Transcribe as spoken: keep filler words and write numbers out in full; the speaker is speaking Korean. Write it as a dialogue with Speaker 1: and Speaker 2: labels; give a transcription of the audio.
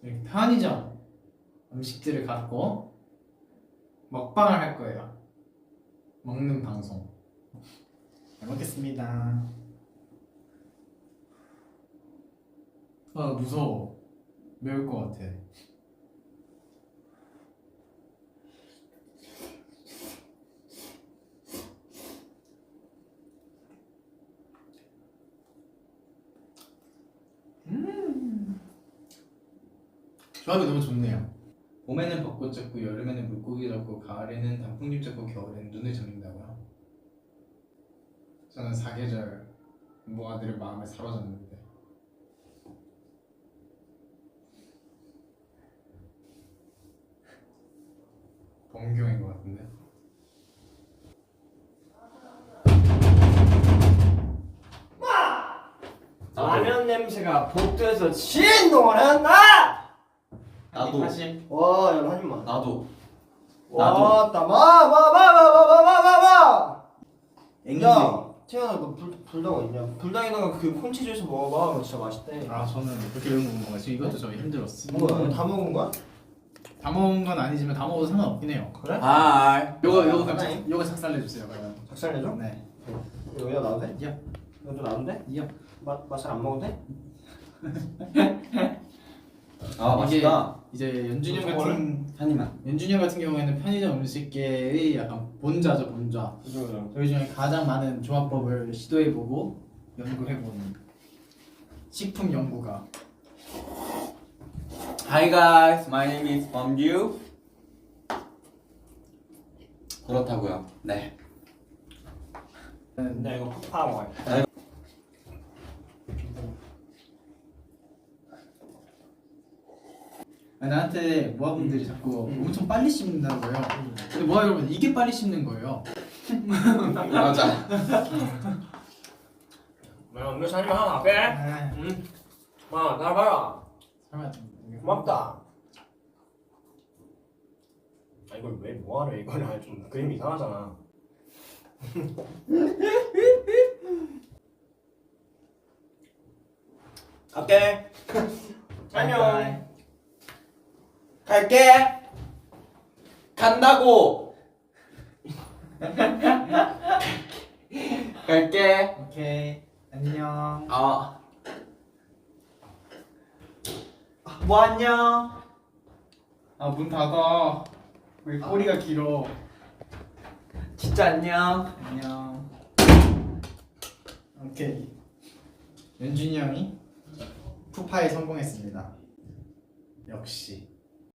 Speaker 1: 이렇게 편의점 음식들을 갖고 먹방을 할 거예요. 먹는 방송. 잘 먹겠습니다. 아 무서워. 매울 것 같아. 음 조합이 너무 좋네요. 봄에는 벚꽃 잡고 여름에는 물고기 잡고 가을에는 단풍잎 잡고 겨울에는 눈을 잡는다고요. 저는 사계절 모아들의 마음에 사로잡는데 범경인 것 같은데.
Speaker 2: 라면 냄새가 복도에서 진동을 한다!
Speaker 3: 나도.
Speaker 1: 사실
Speaker 2: 와, 야, 한 입만.
Speaker 3: 나도.
Speaker 2: 와, 따, 마, 마, 마, 마, 마, 마, 마, 마, 마!
Speaker 3: 앵기.
Speaker 2: 야, 태연아, 너 불, 불닭 있냐? 불닭에다가 그 콘치즈에서 먹어봐. 그거 진짜 맛있대.
Speaker 1: 아 저는 그렇게 이런 거 먹는 거지. 이것도 저 힘들었어.
Speaker 2: 뭐야, 다 먹은 거야?
Speaker 1: 다 먹은 건 아니지만 다 먹어도 상관없긴 해요.
Speaker 2: 그래?
Speaker 3: 하이.
Speaker 1: 요거 요거 그럼
Speaker 2: 하나요?
Speaker 1: 작- 요거 작살내 주세요. 그러면.
Speaker 2: 작살내줘?
Speaker 1: 네.
Speaker 2: 이거 여기다 놔도 돼?
Speaker 1: 야.
Speaker 2: 이것도 놔도 돼?
Speaker 1: 야.
Speaker 2: 맛, 맛을 안 먹어도 돼?
Speaker 3: 아 맛있다.
Speaker 1: 이제 연준이 형
Speaker 2: 어떤
Speaker 1: 같은
Speaker 3: 한 입만.
Speaker 1: 연준이 형 같은 경우에는 편의점 음식계의 약간 본자죠, 본자.
Speaker 2: 그죠, 그죠.
Speaker 1: 저희 중에 가장 많은 조합법을 시도해보고 연구해보는 식품 연구가.
Speaker 3: Hi guys, my name is 범규. 그렇다고요. 네.
Speaker 2: 근데 이거 팍 팔아 먹어야
Speaker 1: 아니, 나한테 모아분들이 자꾸
Speaker 2: 음.
Speaker 1: 엄청 빨리 씹는다는 거예요. 근데 모아 여러분 이게 빨리 씹는 거예요.
Speaker 3: 맞아.
Speaker 2: 야, 음료 사님 하나 갈게.
Speaker 1: 아,
Speaker 2: 응. 마, 나 봐라.
Speaker 1: 설마
Speaker 2: 고맙다. 아, 이걸 왜 뭐하래? 이거는 좀 그림 이상하잖아. 갈게. 안녕.
Speaker 3: 갈게. 간다고. 갈게.
Speaker 1: 오케이 안녕.
Speaker 3: 아.
Speaker 1: 뭐 안녕. 아 문 닫아. 왜 꼬리가 길어.
Speaker 3: 진짜 안녕.
Speaker 1: 안녕. 오케이. 연준이 형이 푸파에 성공했습니다. 역시.